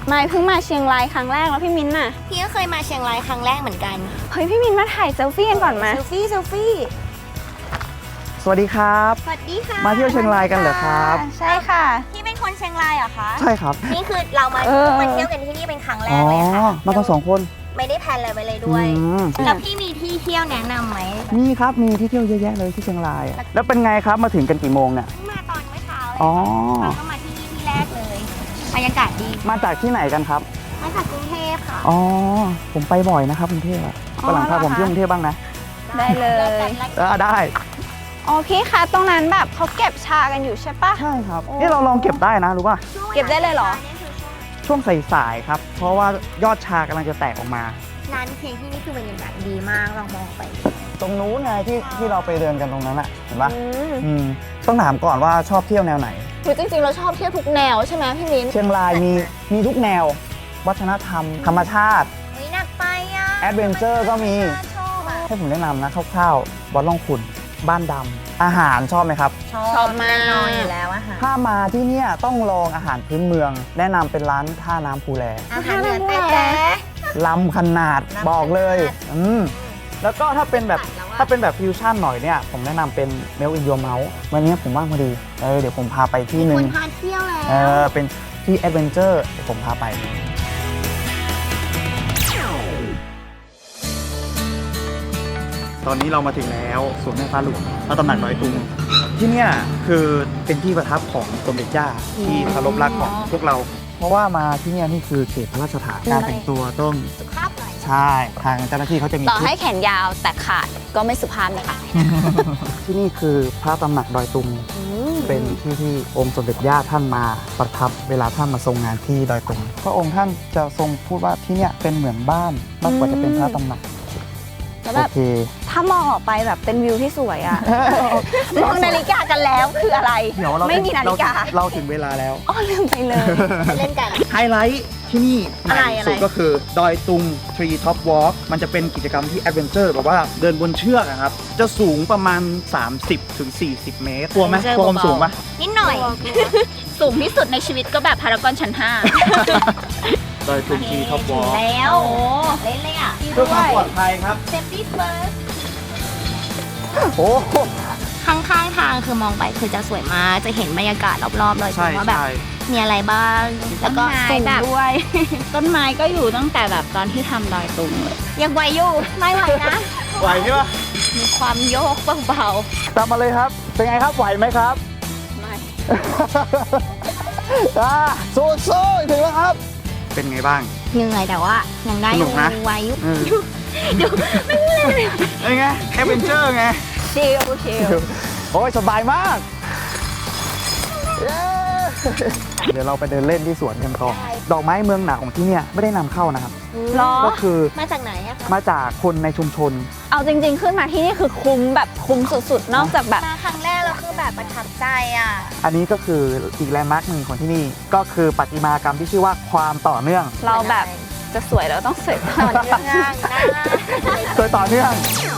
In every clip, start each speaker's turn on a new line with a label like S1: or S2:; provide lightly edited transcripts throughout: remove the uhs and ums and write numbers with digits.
S1: ไม่เพิ่งมาเชียงรายครั้งแรกแล้วพี่มิ้นท์น่ะ
S2: พี่ก็เคยมาเชียงรายครั้งแรกเหมือนกัน
S1: เฮ้ยพี่มิ้นท์มาถ่ายเซลฟี่กันก่อนมา
S2: เซลฟี่
S3: สวัสดีครับ
S2: สวัสดีค่ะ
S3: มาเที่ยวเชียงรายกันเหรอครับ
S1: ใช่ค่ะ
S2: พี่เป็นคนเชียงรายเหรอคะ
S3: ใช่ครับ
S2: นี่คือเรามา
S1: เออ
S2: เที่ยวกันที่นี่เป็นครั้งแร
S3: อ๋อก
S2: เลยค่ะ
S3: มากัน2 คน
S2: ไม่ได้แพลนอะไรไว้เลยด้วย
S3: อืม
S2: แล้วพี่มีที่เที่ยวแนะนำไหม
S3: มีครับมีที่เที่ยวเยอะแยะเลยที่เชียงรายอะแล้วเป็นไงครับมาถึงกันกี่โมงเนี่ย
S2: มาตอนเมื่อเช้าเลย
S3: อ๋อ
S2: เราก็มาที่นี่ที่แรกเลยบรรยากาศดี
S3: มาจากที่ไหนกันครับ
S2: มาจากกรุงเทพค่ะ
S3: อ๋อผมไปบ่อยนะครับกรุงเทพอะวันหลังพาผมเที่ยวกรุงเทพบ้างนะ
S1: ได้เลย
S3: ได้
S1: อ๋อพี่คะตรงนั้นแบบเขาเก็บชากันอยู่ใช่ปะ
S3: ใช่ครับนี่เราลองเก็บได้นะรู้ป่ะ
S1: เก็บได้เลยเหรอ
S3: ช่วงสายๆครับ เพราะว่ายอดชากำลังจะแตกออกมา
S2: ร้านเพลงที่นี่คือบรรยากาศดีมากลองมองไป
S3: ตรงนู้นไงที่เราไปเดินกันตรงนั้นอะเห็นปะ
S1: อืม
S3: ต้องถามก่อนว่าชอบเที่ยวแนวไหน
S1: คือจริงๆเราชอบเที่ยวทุกแนวใช่ไหมพี่มิ้นท์
S3: เชียงรายมีทุกแนว วัฒนธรรม ธรรมชาติ
S2: เฮ้ยหนักไปอ่ะ
S3: แอดเวนเจอร์ก็มี
S2: ชอบอ่ะ
S3: ให้ผมแนะนำนะคร่าวๆวัดล่องขุนบ้านดำอาหารชอบไหมครับ
S1: ชอบมาก
S2: แน่นอนอยู่แล้วอะค่ะ
S3: ถ้ามาที่เนี่ยต้องลองอาหารพื้นเมือง แนะนำเป็นร้านท่าน้ำภูแล
S2: อาหารเหนือแท้
S3: ล้ำขนาดบอกเลยแล้วก็ถ้าเป็นแบบฟิวชั่นหน่อยเนี่ยผมแนะนำเป็นเมลอินโยเมาส์วันนี้ผมว่างพอดีเดี๋ยวผมพาไปที่หนึ่
S2: ค
S3: ง
S2: นพาเที่ยวแล้ว
S3: เป็นที่แอดเวนเจอร์เดี๋ยวผมพาไป ตอนนี้เรามาถึงแล้วสวนแม่ฟ้าหลวงพระตำหนักดอยตุงที่เนี่ยคือเป็นที่ประทับของสมเด็จย่าที่เคารพรักของพวกเรา เพราะว่ามาที่เนี่ยนี่คือเขตพระราชฐานการแต่งตัวต้อง
S2: สุภาพหน่อย
S3: ใช่ทางเจ้าหน้าที่เขาจะมี
S1: ต่อ
S3: ชุด
S1: ให้แขนยาวแต่ขาดก็ไม่สุภาพนะคะ
S3: ที่นี่คือพระตำหนักดอยตุงเป็นที่ที่องค์สมเด็จย่าท่านมาประทับเวลาท่านมาทรงงานที่ดอยตุงพระองค์ท่านจะทรงพูดว่าที่เนี่ยเป็นเหมือนบ้านมากกว่าจะเป็นพระตำหนัก
S1: แล้ว
S3: โอ
S1: แบบ
S3: เค
S1: ถ้ามองออกไปแบบเป็นวิวที่สวยอะ มองนาฬิกากันแล้วคืออะไร
S3: เดี๋ยวเรา
S1: ไม่มีนาฬิกา
S3: เราถึงเวลาแล้ว
S1: อ๋อลืมไปเลย
S2: ไปเล่นกัน
S3: ไฮไลท์ที่นี่ให
S2: อะไร
S3: ม่สุดก็คือดอยตุง Tree Top Walk มันจะเป็นกิจกรรมที่แอดเวนเจอร์แบบว่าเดินบนเชือกอะครับ จะสูงประมาณ 30-40 เมตรกลัวไหมกลัวความสูงปะ
S2: นิดหน่อย
S1: สูงที่สุดในชีวิตก็แบบพารากอนชั้น
S3: ดอยตุง Tree Top Walk
S2: แล้วเล่นเลยอ่ะ
S3: เพื่อความปลอดภัยครับ
S2: Safety first
S3: โอ้โห
S2: ข้างๆทางคือมองไปคือจะสวยมาก จะเห็นบรรยากาศรอบๆเลย
S3: ใช่
S2: ว่าแบบ
S3: ใช่
S2: มีอะไรบ้าง แล้วก็
S1: ๆ
S2: สูง
S1: แบบ
S2: ด้วย
S1: ต้นไม้ก็อยู่ตั้งแต่แบบตอนที่ทำดอยตุงเลย
S2: ยังไหวอยู่ ไม่ไหวนะ
S3: ไหวใช่ปะ
S1: มีความโยกเบา
S3: ตามมาเลยครับ เป็นไงครับ ไหวไหมครับ
S1: ๆไม่
S3: สู้ๆถึงแล้วครับ เป็นไงบ้าง
S2: เหนื่อยแต่ว่ายังได้อ
S3: สนุ
S2: ยู่
S3: กนะ
S2: ไหวอยู่
S3: เป็นไงแอดเวนเจอร์ไง
S1: ชิลชิล
S3: โอ้ยสบายมาก เย้เดี๋ยวเราไปเดินเล่นที่สวนกันต่อดอกไม้เมืองหนาวของที่เนี่ยไม่ได้นำเข้านะครับ
S1: หรอ
S3: ก็คือ
S2: มาจากไหนอะคะ
S3: มาจากคนในชุมชน
S1: เอาจริงๆขึ้นมาที่นี่คือคุ้มแบบคุ้มสุดๆ นอกจากแบบ
S2: มาครั้งแรกเราคือแบบประทับใจอ่ะ
S3: อันนี้ก็คืออีกแลนด์มาร์คหนึ่งของที่นี่ ก็คือประติมากรรมที่ชื่อว่าความต่อเนื่อง
S1: เราแบบจะสวยเราต้องสวยต่อ
S2: ต่อ
S1: เนื่อง
S2: เนื่องนะ
S3: โดยต่อเนื่อง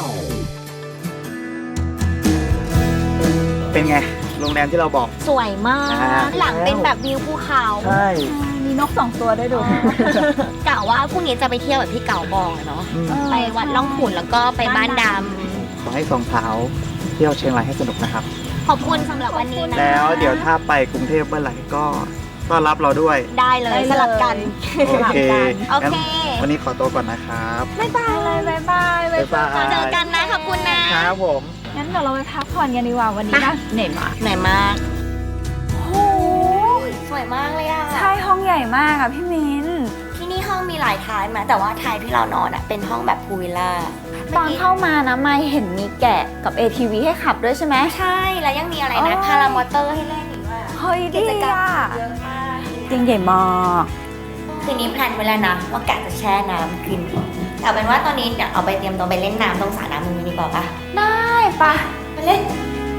S3: เป็นไง โรงแรมที่เราบอก
S2: สวยมาก หลังเป็นแบบวิวภูเขา
S3: ใช่
S1: มีนก2 ตัวด้วยดู
S2: กะว่าพรุ่งนี้จะไปเที่ยวแบบที่เก่าบอกอะเนาะ ไปวัดล่องขุนแล้วก็ไปบ้านด
S3: ขอให้สองสาวเที่ยวเชียงรายให้สนุกนะครับ
S2: ำขอบคุณสำหรับวันนี้นะ
S3: แล้วเดี๋ยวถ้าไปกรุงเทพเมื่อไหร่ก็ต้อนรับเราด้วย
S2: ได้เลยสลับกัน
S3: โอเค
S2: โอเค
S3: งั้นวันนี้ขอตัวก่อนนะครับ
S1: บ๊ายบายเลยบ๊ายบาย
S3: บ๊ายบาย
S2: เจอกันนะขอบคุณนะครับ
S3: ผม
S1: งั้นเดี๋ยวเราไปพักผ่อนกันดีกว่าวันนี้นะเหนื่อยมาก
S2: เหนื่อยมาก
S1: โอ้โห
S2: สวยมากเลยอะ
S1: ใช่ห้องใหญ่มากอะพี่มิ้น
S2: ที่นี่ห้องมีหลายทายมาแต่ว่าทายที่เรานอนอะเป็นห้องแบบพูลวิลล่า
S1: ตอนเข้ามานะไม่เห็นมีแกะกับ ATV ให้ขับด้วยใช่ไหม
S2: ใช่แล้วยังมีอะไรนะ
S1: โอ้ย
S2: พารามอเตอร์ให้เล่นอีกว่า
S1: เฮ้ย
S2: กิ
S1: ดี
S2: จกรรม
S1: อะ
S2: เยอะมาก
S1: จริงใหญ่มาก
S2: คืนนี้แพลนไว้แล้วนะว่ากะจะแช่น้ำคืนนี้แต่เป็นว่าตอนนี้เดี๋ยวเอาไปเตรียมตัวไปเล่นน้ำตรงสระน้ำตรงนี้ดีกว่าปะ
S1: ได้ปะ
S2: ไปเล่น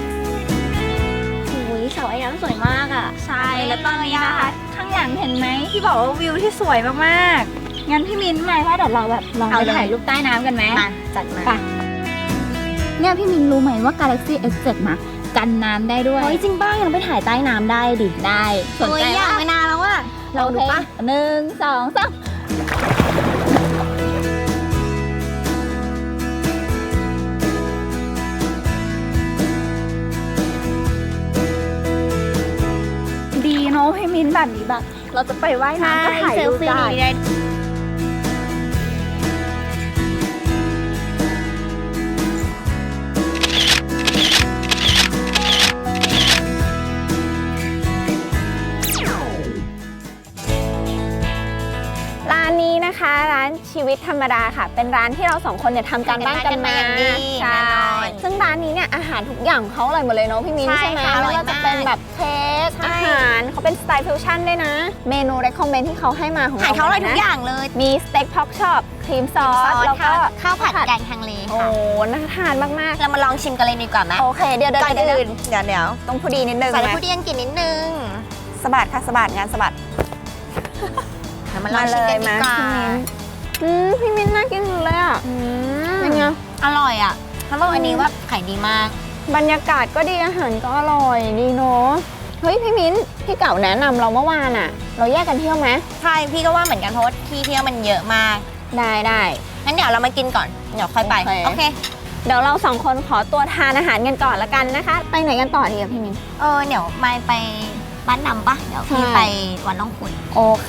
S2: โอ้ยเสาไอ้น้ำสวยมากอ่ะ
S1: ใช่แล้วตอนนี้นะคะข้างหลังเห็นไหมที่บอกว่าวิวที่สวยมากๆงั้นพี่มิ้นมาว่าเดี๋ยวเราแบบลองไปถ่ายรูปใต้น้ำกันไหม
S2: มาจัดมา
S1: ไป เนี่ยพี่มินรู้ไหมว่า Galaxy S7 นะกันน้ำได้ด้วย
S2: เฮ้ยจริงป้ายังไปถ่ายใต้น้ำได้ดิ
S1: ได้สนใจ
S2: อยาก
S1: ว่า
S2: ไปนานแล้วอ่ะลองดูปะ
S1: 1 2 3ดีเนาะให้มิ้นแบบนี้แบบเราจะไปว่ายน้ำก็ถ่ายรูปได้ ร้านนี้นะคะร้านชีวิตธรรมดาค่ะ เป็นร้านที่เราสองคนเนี่ยทำการบ้านกันมา
S2: อย่างดี
S1: ใช่
S2: แน่นอน
S1: ซึ่งร้านนี้เนี่ยอาหารทุกอย่างเขาอร่อยหมดเลยเนาะพี่มิ้น
S2: ใช่
S1: ใช่ไหม
S2: ค่ะอร่
S1: ไม่
S2: อย
S1: ว่าจะเป็นแบบเค้ก
S2: ใช่
S1: อาหารเขาเป็นสไตล์ฟิวชั่นด้วยนะ เมนู recommend ที่เขาให้มาของ
S2: อาหารเขาอร่อยทุก
S1: นะ
S2: อย่างเลย
S1: มีสเต็กพ็อกช็อปครีมซอสแล้วก็
S2: ข้าวผัดแกงฮังเล
S1: โอ้
S2: ค่ะ
S1: น่าทานมาก
S2: เรามาลองชิมกันเลยดีกว่าไหม
S1: ๆโอเคเดี๋ยว
S2: ก่อน
S1: เดี๋ยว
S2: อื่นเดี๋ยว
S1: ต้องพอดีนิดนึง
S2: ใส่
S1: นะ
S2: ผู้ดีอังกฤษนิดนึง
S1: สะบัดค่ะสะบัดงานสะบัด
S2: เรามาลองชิมกันดีกว่า
S1: พี่มิ้นน่ากินเลยอ่ะเป็นไง
S2: อร่อยอ่ะเขาบอกอันนี้ว่าขายดีมาก
S1: บรรยากาศก็ดีอาหารก็อร่อยดีเนาะเฮ้ยพี่มิ้นพี่เก่าแนะนำเราเมื่อวานอ่ะ เราแยกกันเที่ยวไหม
S2: ใช่พี่ก็ว่าเหมือนกันเพราะว่าที่เที่ยวมันเยอะมาก
S1: ได้
S2: งั้นเดี๋ยวเรามากินก่อนเดี๋ยวค่อยไป
S1: โอเค เดี๋ยวเราสองคนขอตัวทานอาหารกันก่อนละกันนะคะ ไปไหนกันต่อดีอะพี่มิ้น
S2: เดี๋ยวไม่ไปบ้านนำปะเดี๋ยวพี่
S1: ใช่
S2: ไปวันน้องขุน
S1: โอเค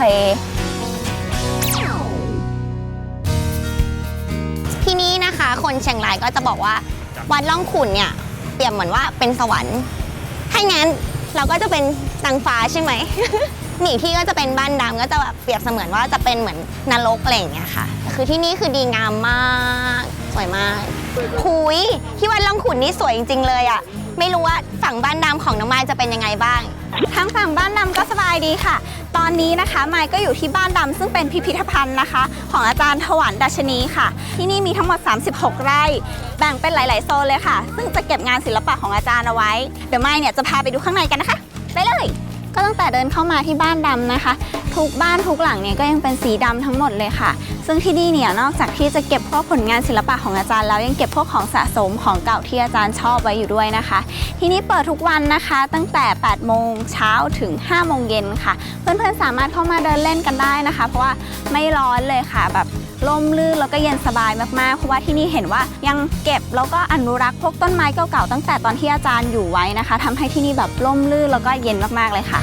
S2: ที่นี่นะคะคนเชียงรายก็จะบอกว่าวัดล่องขุนเนี่ยเปรียบเหมือนว่าเป็นสวรรค์ถ้างั้นเราก็จะเป็นนางฟ้าใช่ไหม หนีที่ก็จะเป็นบ้านดำก็จะแบบเปรียบเสมือนว่าจะเป็นเหมือนนรกอะไรอย่างเงี้ยค่ะคือที่นี่คือดีงามมากสวยมากคุยที่วัดล่องขุนนี่สวยจริงๆเลยอ่ะไม่รู้ว่าฝั่งบ้านดำของน้องมายจะเป็นยังไงบ้าง
S1: ทางฝั่งบ้านดำก็สบายดีค่ะ ตอนนี้นะคะไมค์ก็อยู่ที่บ้านดำซึ่งเป็นพิพิธภัณฑ์นะคะ ของอาจารย์ถวันดัชนีค่ะ ที่นี่มีทั้งหมด 36 ไร่ แบ่งเป็นหลาย ๆ โซนเลยค่ะ ซึ่งจะเก็บงานศิลปะของอาจารย์เอาไว้ เดี๋ยวไมค์เนี่ยจะพาไปดูข้างในกันนะคะ ไปเลย ก็ตั้งแต่เดินเข้ามาที่บ้านดำนะคะ ทุกบ้านทุกหลังเนี่ยก็ยังเป็นสีดำทั้งหมดเลยค่ะ ซึ่งที่นี่เนี่ยนอกจากที่จะเก็บพวกผลงานศิลปะของอาจารย์แล้วยังเก็บพวกของสะสมของเก่าที่อาจารย์ชอบไว้อยู่ด้วยนะคะ ที่นี่เปิดทุกวันนะคะตั้งแต่ 8 โมงเช้าถึง 5 โมงเย็นค่ะ เพื่อนๆสามารถเข้ามาเดินเล่นกันได้นะคะ เพราะว่าไม่ร้อนเลยค่ะแบบร่มรื่นแล้วก็เย็นสบายมากๆเพราะว่าที่นี่เห็นว่ายังเก็บแล้วก็อนุรักษ์พวกต้นไม้เก่าๆตั้งแต่ตอนที่อาจารย์อยู่ไว้นะคะทำให้ที่นี่แบบร่มรื่นแล้วก็เย็นมากๆเลยค่ะ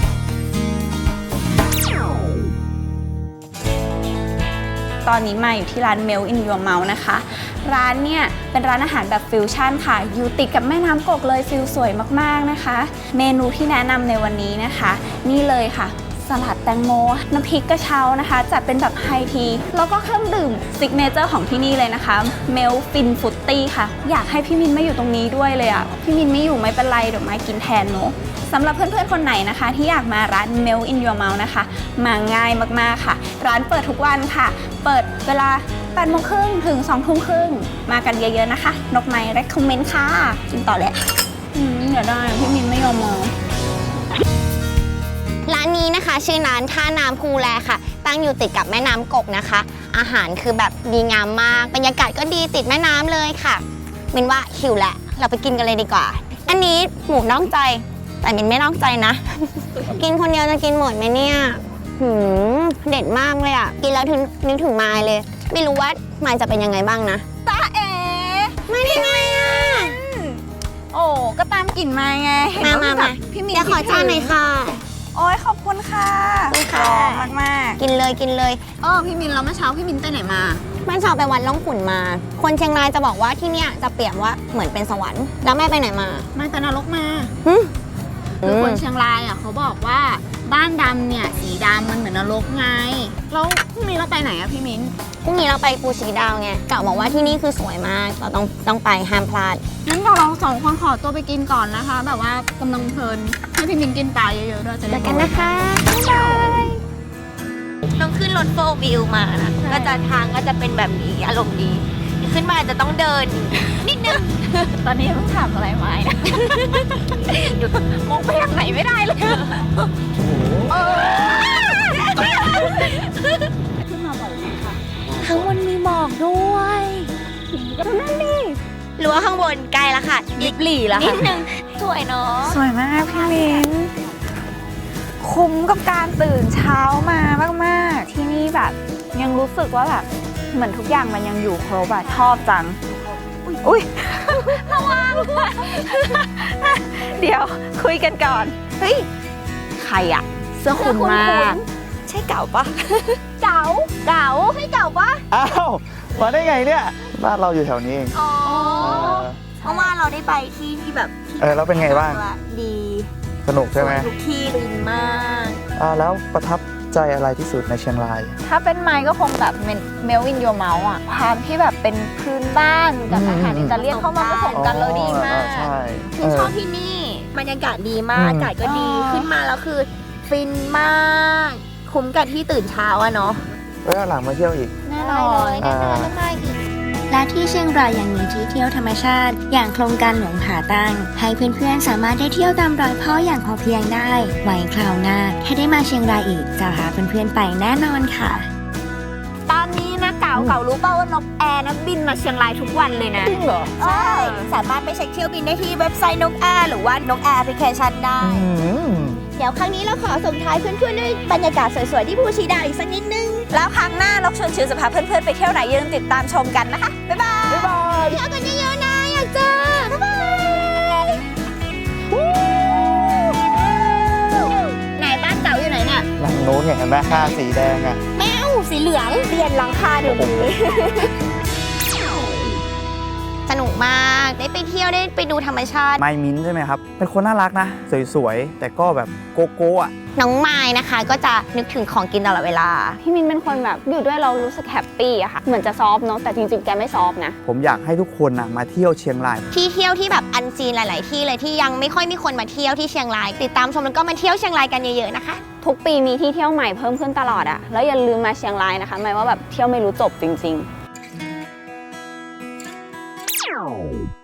S1: ตอนนี้มาอยู่ที่ร้าน Melt in Your Mouth นะคะ ร้านเนี่ยเป็นร้านอาหารแบบฟิวชั่นค่ะ อยู่ติดกับแม่น้ำกกเลยฟิลสวยมากๆนะคะ เมนูที่แนะนำในวันนี้นะคะ นี่เลยค่ะ สลัดแตงโม น้ำพริกกระเช้านะคะจัดเป็นแบบไฮที แล้วก็เครื่องดื่มซิกเนเจอร์ของที่นี่เลยนะคะ Melt Fin Fruity ค่ะ อยากให้พี่มินมาอยู่ตรงนี้ด้วยเลยอะพี่มินไม่อยู่ไม่เป็นไรเดี๋ยวมากินแทนเนาะสำหรับเพื่อนๆ คนไหนนะคะที่อยากมาร้าน Melt in Your Mouth นะคะ มาง่ายมากๆค่ะ ร้านเปิดทุกวันค่ะ เปิดเวลา 8 โมงครึ่งถึง 2 ทุ่มครึ่ง มากันเยอะๆนะคะ นกไม้ recommend ค่ะ กินต่อเลยเดี๋ยวได้พี่มินไม่ยอมมา
S2: ร้านนี้นะคะชื่อร้านท่าน้ำภูแลค่ะ ตั้งอยู่ติดกับแม่น้ำกกนะคะ อาหารคือแบบดีงามมากบรรยากาศก็ดีติดแม่น้ำเลยค่ะมินว่าหิวแหละเราไปกินกันเลยดีกว่า อันนี้หมูนอกใจแต่มินไม่นอกใจนะ กินคนเดียวจะกินหมดไหมเนี่ยเด็ดมากเลยอ่ะกินแล้วนึกถึงมายเลย ไม่รู้ว่ามายจะเป็นยังไงบ้างนะ
S1: จ้าเอ๋
S2: ไม่ได้ไงอ่ะ
S1: โอ้ก็ตามกลิ่นมาไงเห็นว่า
S2: มา
S1: แบบพี่มิน
S2: เดี๋ยวขอจานหน่อยค่ะ
S1: โอ้ยขอบคุณค่ะ
S2: ขอบคุณค่ะ
S1: รอมาก
S2: กินเลยกินเลย
S1: ๆพี่มินแล้วเมื่อเช้าพี่มินไปไหนมา
S2: บ้านชาวไปวัดล่องขุนมา คนเชียงรายจะบอกว่าที่เนี่ยจะเปรียบว่าเหมือนเป็นสวรรค์ แล้วแม่ไปไหนมา
S1: มาแต่นรกมา
S2: หึ
S1: คือคนเชียงรายอ่ะเขาบอกว่าบ้านดำเนี่ยสีดำมันเหมือนนรกไงแล้วพรุ่งนี้เราไปไหนอะพี่มิ้น
S2: พรุ่งนี้เราไปภูชีดาวไงกะบอกว่าที่นี่คือสวยมากเราต้องไปห้ามพลาด
S1: งั้นเราสองคนขอตัวไปกินก่อนนะคะ แบบว่ากำลังเพลินให้พี่มิ้นกินปลาเยอะๆด้วยจะ
S2: เจ
S1: ได้
S2: อกันนะคะบ๊ายบายต้องขึ้นรถโฟล์วิวมานะก็จะทางก็จะเป็นแบบนี้อารมณ์ดีขึ้นมาจะต้องเดินนิดนึง
S1: ตอนนี้เพิ่งถามอะไรไว้นะมองไปทางไหนไม่ได้เลยขึ้นมาบ่อยไหมคะ
S2: ข้างบนมีหมอกด้วย
S1: ก็นั่นดิ
S2: หรือว่าข้างบนใกล้แล้วค่ะ
S1: ลิบหลี่ละ
S2: นิ
S1: ค่ะ
S2: ดนึงสวยเนาะ
S1: สวยมากพี่มิ้นคคุ้มกับการตื่นเช้ามามากๆ ที่นี่แบบยังรู้สึกว่าแบบเหมือนทุกอย่างมันยังอยู่ครบอะชอบจัง อุ้ยระวัง เดี๋ยวคุยกันก่อน เฮ้ย ใครอะเสื้อคุ้นมากใช่เก่าปะ เก่าใช่เก่าปะ
S3: อ้าวมาได้ไงเนี่ยบ้านเราอยู่แถวนี้เอง
S1: อ๋อ
S3: เออ
S1: เพราะว่าเราได้ไปที่แบบที่
S3: แล้วเป็นไงบ้าง
S1: ดี
S3: สนุกใช่ไหม
S1: ทุกที่ลินมาก
S3: แล้วประทับใจอะไรที่สุดในเชียงราย
S1: ถ้าเป็นไม้ก็คงแบบเมลวินโยเมาส์อ่ะ ความที่แบบเป็นพื้นบ้านกับอาหารอิตาเลียนเข้ามาผสมกันแล้วดีมาก
S3: ใช่
S4: คือชอบที่นี่บรรยากาศดีมาก
S3: อืม
S4: อากาศก็ดีขึ้นมาแล้วคือฟินมาก คุ้มกับที่ตื่นเช้าอะเนาะ
S3: แล้วหลังมาเที่ยวอีก
S1: แน่นอน
S3: อ่า
S5: และที่เชียงรายยังมีที่เที่ยวธรรมชาติ อย่างโครงการหลวงผาตั้ง ให้เพื่อนๆสามารถได้เที่ยวตามรอยพ่ออย่างพอเพียงได้ ไว้คราวหน้าถ้าได้มาเชียงรายอีกจะพาเพื่อนๆไปแน่นอนค่ะ
S1: ตอนนี้นะเก่ารู้เปล่าว่านกแอร์นะบินมาเชียงรายทุกวันเลยนะ
S3: จริงเหรอ
S4: ใช่ สามารถไปเช็คเที่ยวบินได้ที่เว็บไซต์นกแอร์หรือว่านกแอร์แอปพลิเคชันได้ เดี๋ยวครั้งนี้เราขอส่งท้ายเพื่อนๆด้วยบรรยากาศสวยๆที่ภูชีดาวอีกสักนิดนึง
S1: แล้วครั้งหน้านกชวนชิวจะพาเพื่อนๆไปเที่ยวไหนอย่าลืมติดตามชมกันนะคะ บ๊ายบาย
S3: บ๊ายบาย
S4: เที่ยวกันเยอะๆนะ อยากเจอ บ๊ายบาย
S1: ไหนบ้านเก่าอยู่ไหนเนี่ย
S3: หลังโน้นเห็นไหมค่าสีแดงอ่ะ
S4: แมวสีเหลืองเปลี่ยนหลังคาเดี๋ยวนี้
S2: สนุกมากได้ไปเที่ยวได้ไปดูธรรมชาติ
S3: ไมมิ้นท์ใช่ไหมครับ เป็นคนน่ารักนะ สวยๆ แต่ก็แบบโกโก้อะ
S2: น้องไม้นะคะก็จะนึกถึงของกินตลอดเวลา
S1: พี่มินเป็นคนแบบอยู่ด้วยเรารู้สึกแฮปปี้อะค่ะ เหมือนจะซอฟต์เนาะ แต่จริงๆ แกไม่ซอฟต์นะ
S3: ผมอยากให้ทุกคนนะมาเที่ยวเชียงราย
S2: ที่เที่ยวที่แบบอันซีนหลาย ๆ ที่เลยที่ยังไม่ค่อยมีคนมาเที่ยวที่เชียงราย ติดตามชมแล้วก็มาเที่ยวเชียงรายกันเยอะ ๆ นะคะ
S1: ทุกปีมีที่เที่ยวใหม่เพิ่มขึ้นตลอดอะแล้วอย่าลืมมาเชียงรายนะคะหมายว่าแบบเที่ยวไม่รู้จบจริงๆ